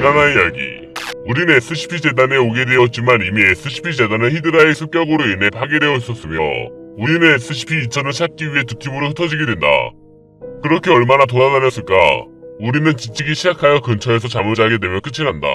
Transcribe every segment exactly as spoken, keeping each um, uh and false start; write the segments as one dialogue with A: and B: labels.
A: 지난화 이야기. 우리는 에스시피 재단에 오게 되었지만 이미 에스시피 재단은 히드라의 습격으로 인해 파괴되어 있었으며 우리는 에스시피 이천을 찾기 위해 두 팀으로 흩어지게 된다. 그렇게 얼마나 돌아다녔을까? 우리는 지치기 시작하여 근처에서 잠을 자게 되면 끝이 난다.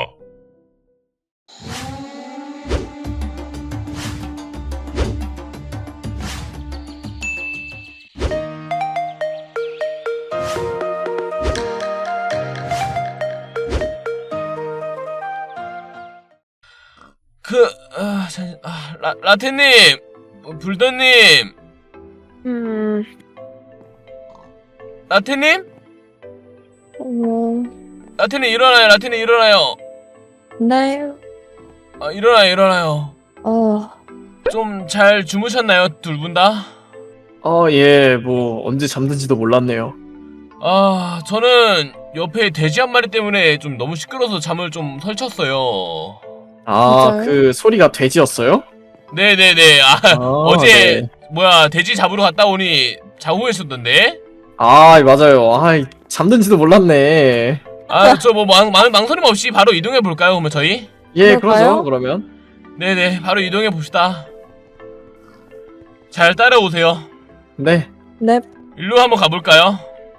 B: 그, 아, 잠, 아, 라, 라테님, 불더님,
C: 음,
B: 라테님?
C: 어,
B: 라테님 일어나요, 라테님 일어나요.
C: 네,
B: 아, 일어나요, 일어나요.
C: 어,
B: 좀 잘 주무셨나요, 둘 분 다?
D: 어, 예, 뭐, 언제 잠든지도 몰랐네요.
B: 아, 저는 옆에 돼지 한 마리 때문에 좀 너무 시끄러워서 잠을 좀 설쳤어요.
D: 아,
C: 진짜요?
D: 그 소리가 돼지였어요?
B: 네네네, 아,
D: 아,
B: 어제,
D: 네.
B: 뭐야, 돼지 잡으러 갔다 오니 자고 계셨던데?
D: 아, 맞아요. 아, 잠든지도 몰랐네.
B: 아, 저 뭐 망, 망, 망설임 없이 바로 이동해볼까요, 그러면 저희?
D: 예,
C: 그럴까요?
D: 그러죠, 그러면.
B: 네네, 바로 이동해봅시다. 잘 따라오세요.
D: 네.
C: 네,
B: 일로 한번 가볼까요?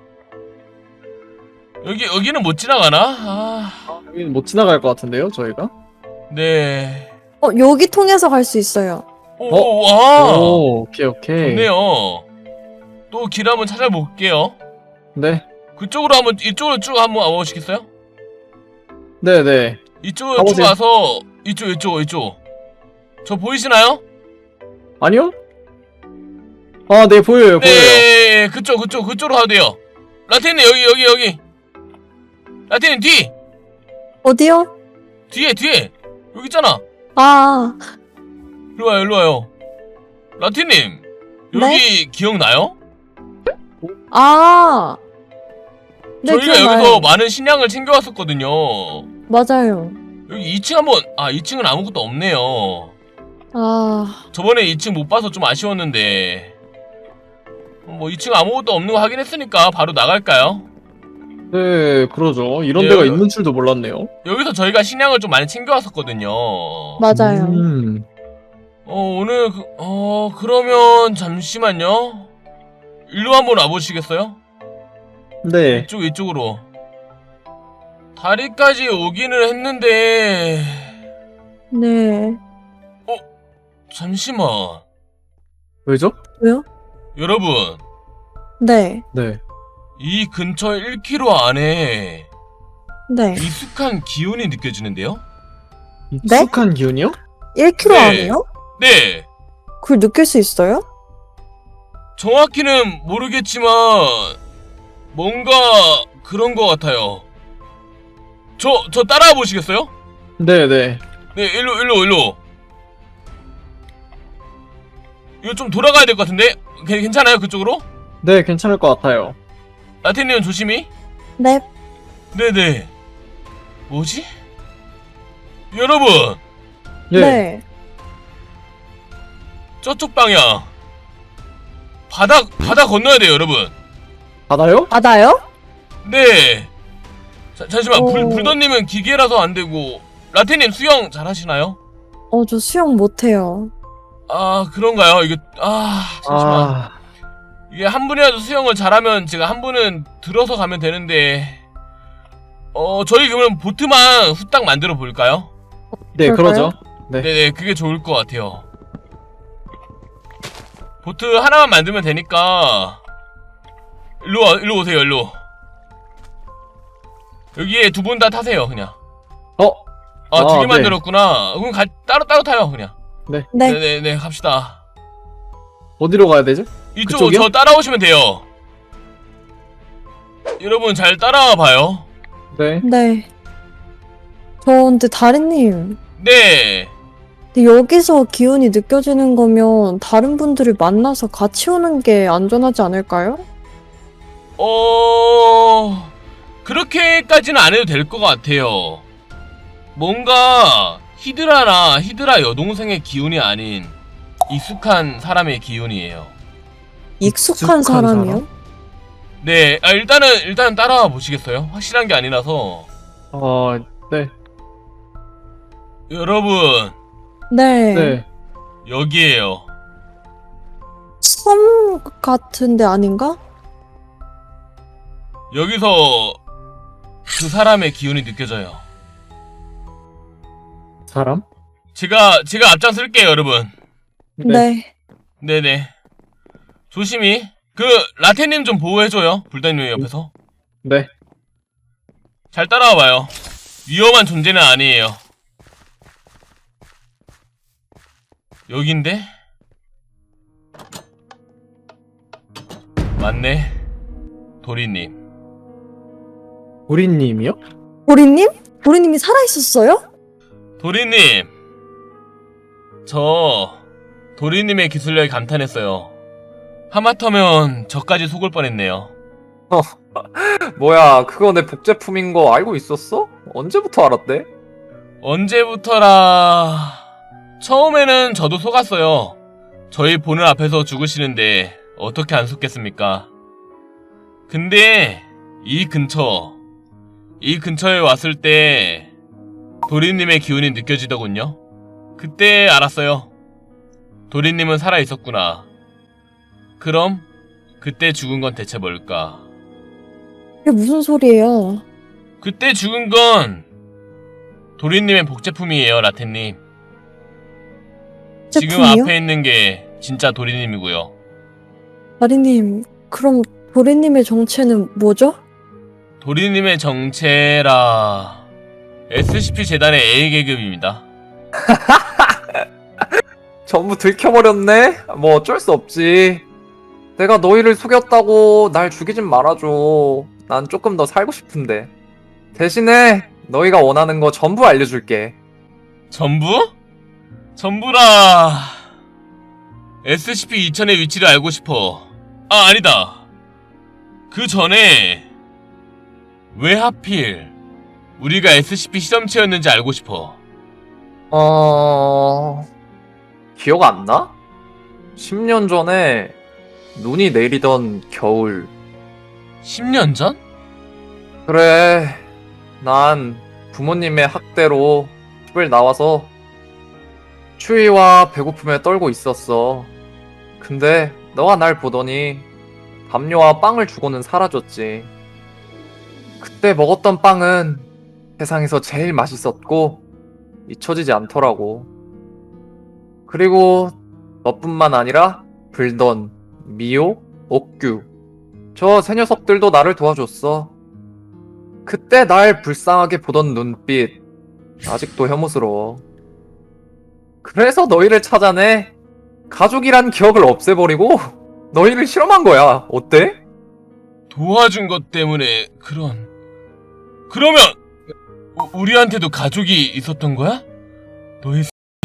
B: 여기, 여기는 못 지나가나? 아,
D: 여기는 못 지나갈 것 같은데요, 저희가?
B: 네.
C: 어, 여기 통해서 갈 수 있어요.
B: 오,
D: 어?
B: 와!
D: 오, 오케이, 오케이.
B: 좋네요. 또 길 한번 찾아볼게요.
D: 네.
B: 그쪽으로 한번, 이쪽으로 쭉 한번 와보시겠어요?
D: 네네.
B: 이쪽으로 쭉
D: 가보세요.
B: 와서, 이쪽, 이쪽, 이쪽. 저 보이시나요?
D: 아니요? 아, 네, 보여요, 보여요.
B: 네, 그쪽, 그쪽, 그쪽으로 가도 돼요. 라테님, 여기, 여기, 여기. 라테님, 뒤!
C: 어디요?
B: 뒤에, 뒤에! 여기 있잖아.
C: 아,
B: 일로 와요, 일로 와요. 라테님, 여기 기억나요?
C: 아, 네,
B: 저희가
C: 기억나요.
B: 여기서 많은 식량을 챙겨왔었거든요.
C: 맞아요.
B: 여기 이 층 한번, 아, 이 층은 아무것도 없네요.
C: 아,
B: 저번에 이 층 못 봐서 좀 아쉬웠는데. 뭐 이 층 아무것도 없는 거 확인했으니까 바로 나갈까요?
D: 네, 그러죠. 이런
B: 네,
D: 데가
B: 여기-
D: 있는 줄도 몰랐네요.
B: 여기서 저희가 식량을 좀 많이 챙겨왔었거든요.
C: 맞아요.
D: 음.
B: 어, 오늘, 그, 어, 그러면, 잠시만요. 일로 한번 와보시겠어요?
D: 네.
B: 이쪽, 이쪽으로. 다리까지 오기는 했는데,
C: 네,
B: 잠시만.
D: 왜죠?
C: 왜요?
B: 여러분,
C: 네,
D: 네.
B: 이 근처 일 킬로미터 안에
C: 네.
B: 익숙한 기운이 느껴지는데요?
D: 익숙한 기운이요?
C: 일 킬로미터
B: 네.
C: 안에요?
B: 네!
C: 그걸 느낄 수 있어요?
B: 정확히는 모르겠지만, 뭔가, 그런 것 같아요. 저, 저 따라와 보시겠어요?
D: 네네.
B: 네, 일로, 일로, 일로. 이거 좀 돌아가야 될 것 같은데? 괜- 괜찮아요, 그쪽으로?
D: 네, 괜찮을 것 같아요.
B: 라틴님은 조심히.
C: 네,
B: 네네. 뭐지? 여러분!
D: 예.
C: 네.
B: 저쪽 방향. 바다, 바다 건너야 돼요, 여러분.
D: 바다요?
C: 바다요?
B: 네. 자, 잠시만, 불,
C: 오.
B: 불더님은 기계라서 안 되고, 라틴님 수영 잘 하시나요?
C: 어, 저 수영 못해요.
B: 아, 그런가요? 이게, 아, 잠시만.
D: 아,
B: 이게 한 분이라도 수영을 잘하면 제가 한 분은 들어서 가면 되는데, 어, 저희 그러면 보트만 후딱 만들어 볼까요?
D: 네,
C: 그럴까요?
D: 그러죠. 네.
B: 네네, 그게 좋을 것 같아요. 보트 하나만 만들면 되니까, 일로 와, 일로 오세요, 일로. 여기에 두 분 다 타세요, 그냥.
D: 어?
B: 아, 두 개
D: 아, 네.
B: 만들었구나. 그럼 가, 따로 따로 타요, 그냥.
C: 네.
B: 네네네, 갑시다.
D: 어디로 가야 되죠?
B: 이쪽
D: 그쪽이요?
B: 저 따라오시면 돼요. 여러분 잘 따라와 봐요.
D: 네.
C: 네. 저 근데 다리님,
B: 네.
C: 근데 여기서 기운이 느껴지는 거면 다른 분들을 만나서 같이 오는 게 안전하지 않을까요?
B: 어... 그렇게까지는 안 해도 될 것 같아요. 뭔가 히드라나 히드라 여동생의 기운이 아닌 익숙한 사람의 기운이에요.
C: 익숙한
D: 익숙한
C: 사람이요?
D: 사람?
B: 네, 아, 일단은 일단 따라와 보시겠어요? 확실한 게 아니라서.
D: 어, 네.
B: 여러분,
C: 네.
D: 네.
B: 여기에요.
C: 섬 같은데 아닌가?
B: 여기서 그 사람의 기운이 느껴져요.
D: 사람?
B: 제가 제가 앞장설게요, 여러분.
C: 네.
B: 네네. 조심히. 그 라테님 좀 보호해줘요. 불단님 옆에서.
D: 네.
B: 잘 따라와봐요. 위험한 존재는 아니에요. 여긴데? 맞네. 도리님.
D: 우리님이요?
C: 보리님? 보리님이 살아있었어요?
B: 도리님. 저 도리님의 기술력에 감탄했어요. 하마터면 저까지 속을 뻔했네요.
E: 뭐야, 그거 내 복제품인 거 알고 있었어? 언제부터 알았대?
B: 언제부터라... 처음에는 저도 속았어요. 저희 보는 앞에서 죽으시는데 어떻게 안 속겠습니까? 근데 이 근처, 이 근처에 왔을 때 도리님의 기운이 느껴지더군요. 그때 알았어요. 도리님은 살아있었구나. 그럼 그때 죽은 건 대체 뭘까?
C: 이게 무슨 소리예요?
B: 그때 죽은 건 도리님의 복제품이에요, 라테님. 지금
C: 제품이요?
B: 앞에 있는 게 진짜 도리님이고요.
C: 마리님, 그럼 보리님의 정체는 뭐죠?
B: 도리님의 정체라... 에스씨피 재단의 A 계급입니다.
E: 전부 들켜버렸네? 뭐 어쩔 수 없지. 내가 너희를 속였다고 날 죽이진 말아줘. 난 조금 더 살고 싶은데. 대신에 너희가 원하는 거 전부 알려줄게.
B: 전부? 전부라... 에스씨피 이천의 위치를 알고 싶어. 아, 아니다. 그 전에 왜 하필 우리가 에스씨피 실험체였는지 알고 싶어.
E: 어... 기억 안 나? 십 년 전에 눈이 내리던 겨울.
B: 십 년 전?
E: 그래, 난 부모님의 학대로 집을 나와서 추위와 배고픔에 떨고 있었어. 근데 너가 날 보더니 담요와 빵을 주고는 사라졌지. 그때 먹었던 빵은 세상에서 제일 맛있었고 잊혀지지 않더라고. 그리고 너뿐만 아니라 불던, 미호, 옥규, 저 세 녀석들도 나를 도와줬어. 그때 날 불쌍하게 보던 눈빛 아직도 혐오스러워. 그래서 너희를 찾아내 가족이란 기억을 없애버리고 너희를 실험한 거야. 어때?
B: 도와준 것 때문에 그런... 그러면 우, 우리한테도 가족이 있었던 거야? 너희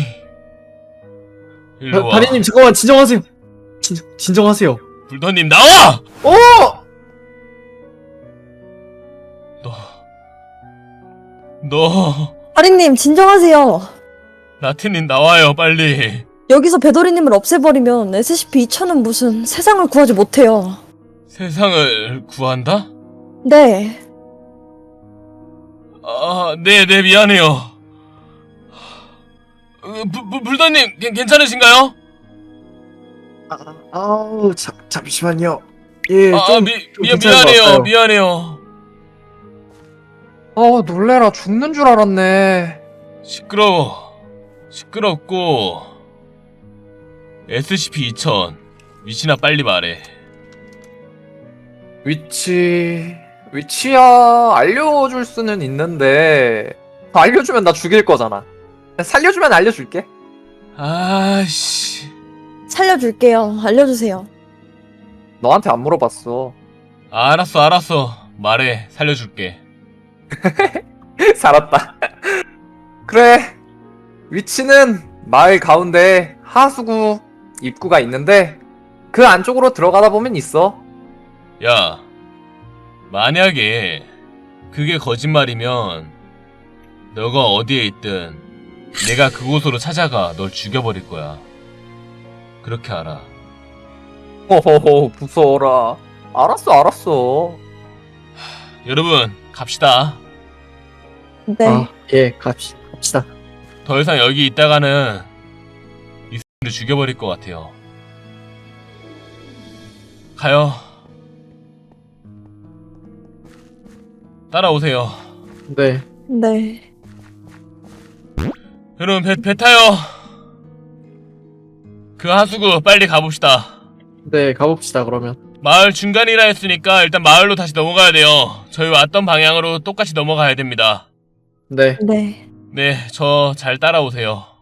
B: 일로 와.
D: 다리님 잠깐만 진정하세요. 진, 진정하세요.
B: 불더님 나와!
E: 어!
B: 너... 너...
C: 아리님, 진정하세요.
B: 라틴님 나와요, 빨리.
C: 여기서 배도리님을 없애버리면 에스씨피 이천은 무슨 세상을 구하지 못해요.
B: 세상을 구한다?
C: 네.
B: 아, 네, 네, 미안해요. 어, 불, 불, 불더님, 괜- 괜찮으신가요?
F: 아, 아우, 자, 잠시만요. 예,
B: 아,
F: 좀,
B: 미,
F: 좀
B: 미,
F: 괜찮은 것
B: 미안해요,
F: 같아요.
B: 미안해요.
E: 어, 놀래라. 죽는 줄 알았네.
B: 시끄러워. 시끄럽고 에스씨피 이천 위치나 빨리 말해.
E: 위치... 위치야 알려줄 수는 있는데 알려주면 나 죽일 거잖아. 살려주면 알려줄게.
B: 아씨.
C: 살려줄게요. 알려주세요.
E: 너한테 안 물어봤어.
B: 알았어, 알았어. 말해, 살려줄게.
E: 살았다. 그래. 위치는 마을 가운데 하수구 입구가 있는데 그 안쪽으로 들어가다 보면 있어.
B: 야, 만약에 그게 거짓말이면 너가 어디에 있든 내가 그곳으로 찾아가 널 죽여버릴 거야. 그렇게 알아.
E: 호호호, 무서워라. 알았어, 알았어.
B: 여러분, 갑시다.
C: 네.
D: 아, 예, 갑시, 갑시다.
B: 더 이상 여기 있다가는 이 X를 죽여버릴 것 같아요. 가요. 따라오세요.
D: 네.
C: 네.
B: 여러분 배, 배 타요. 그 하수구 빨리 가봅시다.
D: 네, 가봅시다, 그러면.
B: 마을 중간이라 했으니까 일단 마을로 다시 넘어가야 돼요. 저희 왔던 방향으로 똑같이 넘어가야 됩니다.
D: 네.
C: 네.
B: 네, 저 잘 따라오세요.